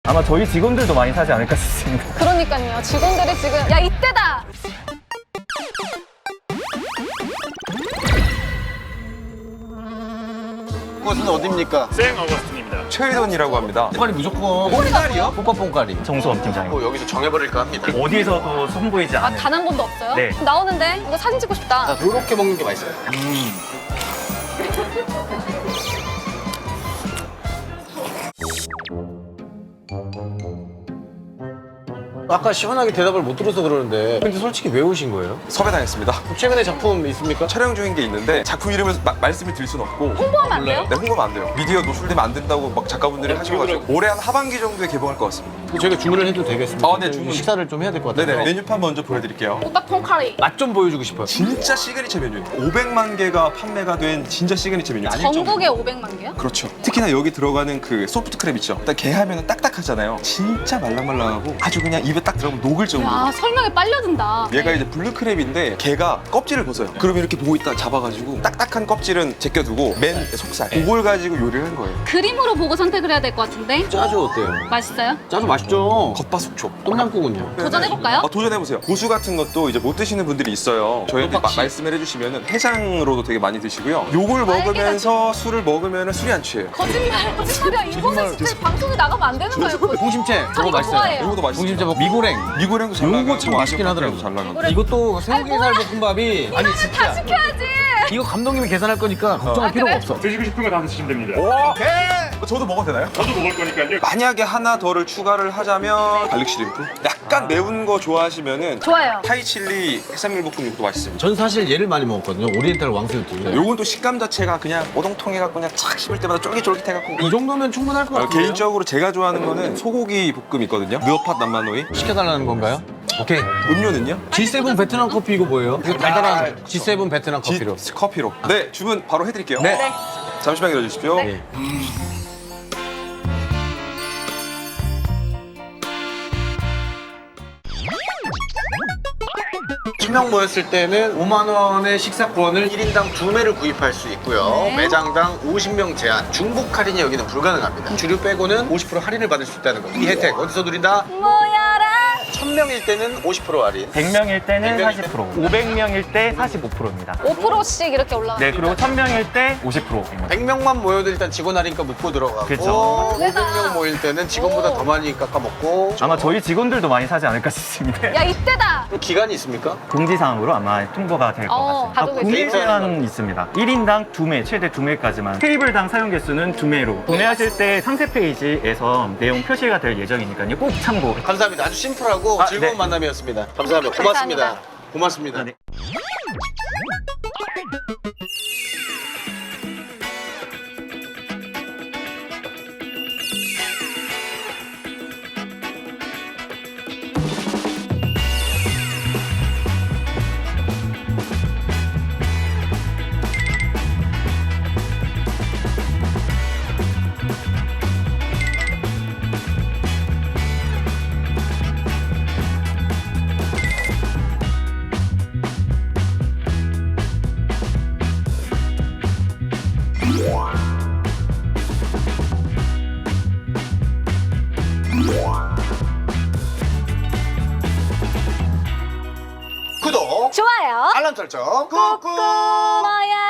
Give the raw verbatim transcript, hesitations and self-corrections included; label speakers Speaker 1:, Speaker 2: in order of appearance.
Speaker 1: 아마 저희 직원들도 많이 사지 않을까 싶습니다.
Speaker 2: 그러니까요. 직원들이 지금 야 이때다.
Speaker 3: 그것은 어딥니까?
Speaker 4: 생 어거스틴입니다.
Speaker 5: 최희돈이라고 합니다.
Speaker 3: 뽕가리 무조건 뽕가리요? 뽀빠 뽕가리.
Speaker 1: 정수업 팀장님.
Speaker 3: 뭐 여기서 정해버릴까 합니다.
Speaker 1: 어디에서도 선보이지
Speaker 2: 아
Speaker 1: 않은.
Speaker 2: 단 한 번도 없어요?
Speaker 1: 네.
Speaker 2: 나오는데 이거 사진 찍고 싶다.
Speaker 3: 자, 요렇게 먹는 게 맛있어요. 아까 시원하게 대답을 못 들어서 그러는데 근데 솔직히 왜 오신 거예요?
Speaker 5: 섭외당했습니다.
Speaker 3: 최근에 작품 있습니까?
Speaker 5: 촬영 중인 게 있는데 작품 이름을 마- 말씀을 드릴 수는 없고.
Speaker 2: 홍보하면 안 돼요?
Speaker 5: 네, 홍보하면 안 돼요. 미디어 노출되면 안 된다고 막 작가분들이 하셔가지고 올해 한 하반기 정도에 개봉할 것 같습니다.
Speaker 3: 저희가 주문을 해도 되겠습니까?
Speaker 5: 아, 네, 주문.
Speaker 3: 식사를 좀 해야 될 것 같아요.
Speaker 5: 네네. 메뉴판 먼저 보여드릴게요.
Speaker 2: 오빠 통카리.
Speaker 3: 맛 좀 보여주고 싶어요.
Speaker 5: 진짜 시그니처 메뉴예요. 오백만 개가 판매가 된 진짜 시그니처 메뉴. 아닐 정도.
Speaker 2: 전국에 오백만 개요?
Speaker 5: 그렇죠. 특히나 여기 들어가는 그 소프트 크랩 있죠. 일단 게 하면은 딱딱하잖아요. 진짜 말랑말랑하고 아주 그냥 입에 딱 들어가면 녹을 정도로.
Speaker 2: 야 설명에 빨려든다.
Speaker 5: 얘가 이제 블루 크랩인데 걔가 껍질을 벗어요. 그럼 이렇게 보고 있다 잡아가지고 딱딱한 껍질은 제껴두고 맨 속살 그걸 가지고 요리를 한 거예요.
Speaker 2: 그림으로 보고 선택을 해야 될 것 같은데.
Speaker 3: 짜조 어때요?
Speaker 2: 맛있어요?
Speaker 3: 짜조 맛있죠?
Speaker 5: 겉바속촉.
Speaker 3: 똠양꿍은요?
Speaker 2: 도전해볼까요?
Speaker 5: 아, 도전해보세요. 고수 같은 것도 이제 못 드시는 분들이 있어요. 저희한테 마- 말씀을 해주시면 해장으로도 되게 많이 드시고요. 요걸 먹으면서 술을 먹으면 술이 안 취해요.
Speaker 2: 거짓말, 거짓말이야. 이거는 진짜 방송에 나가면 안 되는 거예요.
Speaker 3: 공심채
Speaker 2: 저
Speaker 3: 저거
Speaker 2: 이거
Speaker 3: 맛있어요.
Speaker 2: 좋아해요.
Speaker 5: 이것도 맛있어요.
Speaker 3: 공심채 뭐 미고랭.
Speaker 5: 미고랭도 잘
Speaker 3: 요거
Speaker 5: 나가고
Speaker 3: 참 맛있긴
Speaker 5: 아시아
Speaker 3: 하더라고요.
Speaker 5: 잘 나가고.
Speaker 3: 이것도 새우게살 볶음밥이 아니
Speaker 2: 다
Speaker 3: 진짜
Speaker 2: 시켜야지.
Speaker 3: 이거 감독님이 계산할 거니까 걱정할
Speaker 2: 아,
Speaker 3: 필요가
Speaker 2: 그래?
Speaker 3: 없어.
Speaker 4: 드시고 싶은 거 다 드시면 됩니다.
Speaker 5: 오케이. 저도 먹어도 되나요?
Speaker 4: 저도 먹을 거니까요.
Speaker 5: 만약에 하나 더를 추가를 하자면 갈릭 시림프? 약간 매운 거 좋아하시면은
Speaker 2: 좋아요.
Speaker 5: 타이칠리 해산물 볶음 이것도 맛있습니다.
Speaker 3: 전 사실 얘를 많이 먹었거든요. 오리엔탈 왕새우튀김.
Speaker 5: 요건 또 식감 자체가 그냥 오동통해갖고 그냥 착 씹을 때마다 쫄깃쫄깃해갖고
Speaker 3: 이 정도면 충분할 것
Speaker 5: 어,
Speaker 3: 같아요.
Speaker 5: 개인적으로 제가 좋아하는 거는 소고기 볶음 있거든요. 느어팟 남만오이.
Speaker 3: 시켜달라는 건가요? 오케이.
Speaker 5: 음료는요?
Speaker 3: 지 세븐 베트남 커피 이거 뭐예요? 이거 달달한 지 세븐 베트남
Speaker 5: 지-
Speaker 3: 커피로.
Speaker 5: 커피로. 네, 주문 바로 해드릴게요.
Speaker 3: 네.
Speaker 2: 네.
Speaker 5: 잠시만 기다려주십시오.
Speaker 3: 네. 천 명 모였을 때는 오만 원의 식사권을 일 인당 두 매를 구입할 수 있고요.
Speaker 2: 네.
Speaker 3: 매장당 오십 명 제한, 중복 할인이 여기는 불가능합니다. 주류 빼고는 오십 퍼센트 할인을 받을 수 있다는 겁니다. 이 혜택 어디서 누린다?
Speaker 2: 모여라.
Speaker 3: 천 명일 때는 오십 퍼센트 할인.
Speaker 1: 백 명일 때는
Speaker 5: 백 명일
Speaker 1: 사십 퍼센트, 오백 명일 때 사십오 퍼센트입니다.
Speaker 2: 오 퍼센트씩 이렇게 올라가.
Speaker 1: 네, 그리고 천 명일 때 오십 퍼센트입니다.
Speaker 3: 백 명만 모여도 일단 직원 할인가 묶고 들어가고
Speaker 1: 그쵸.
Speaker 3: 오백 명 모일 때는 직원보다
Speaker 2: 오.
Speaker 3: 더 많이 깎아먹고
Speaker 1: 아마 저희 직원들도 많이 사지 않을까 싶습니다.
Speaker 2: 야 이때다.
Speaker 3: 그럼 기간이 있습니까?
Speaker 1: 공지사항으로 아마 통보가 될 것
Speaker 2: 어,
Speaker 1: 같습니다.
Speaker 2: 가족의
Speaker 1: 구매
Speaker 3: 데이터
Speaker 1: 제한 있습니다. 일 인당 두 매, 최대 두 매까지만. 테이블당 사용 개수는 두 매로. 구매하실 때 상세 페이지에서 내용 표시가 될 예정이니까요. 꼭 참고.
Speaker 3: 감사합니다. 아주 심플하고
Speaker 1: 아,
Speaker 3: 즐거운
Speaker 1: 네.
Speaker 3: 만남이었습니다. 감사합니다. 고맙습니다.
Speaker 2: 감사합니다.
Speaker 3: 고맙습니다.
Speaker 1: 네.
Speaker 3: 구독,
Speaker 2: 좋아요.
Speaker 3: 알람 설정, 꾹꾹.
Speaker 2: 뭐야?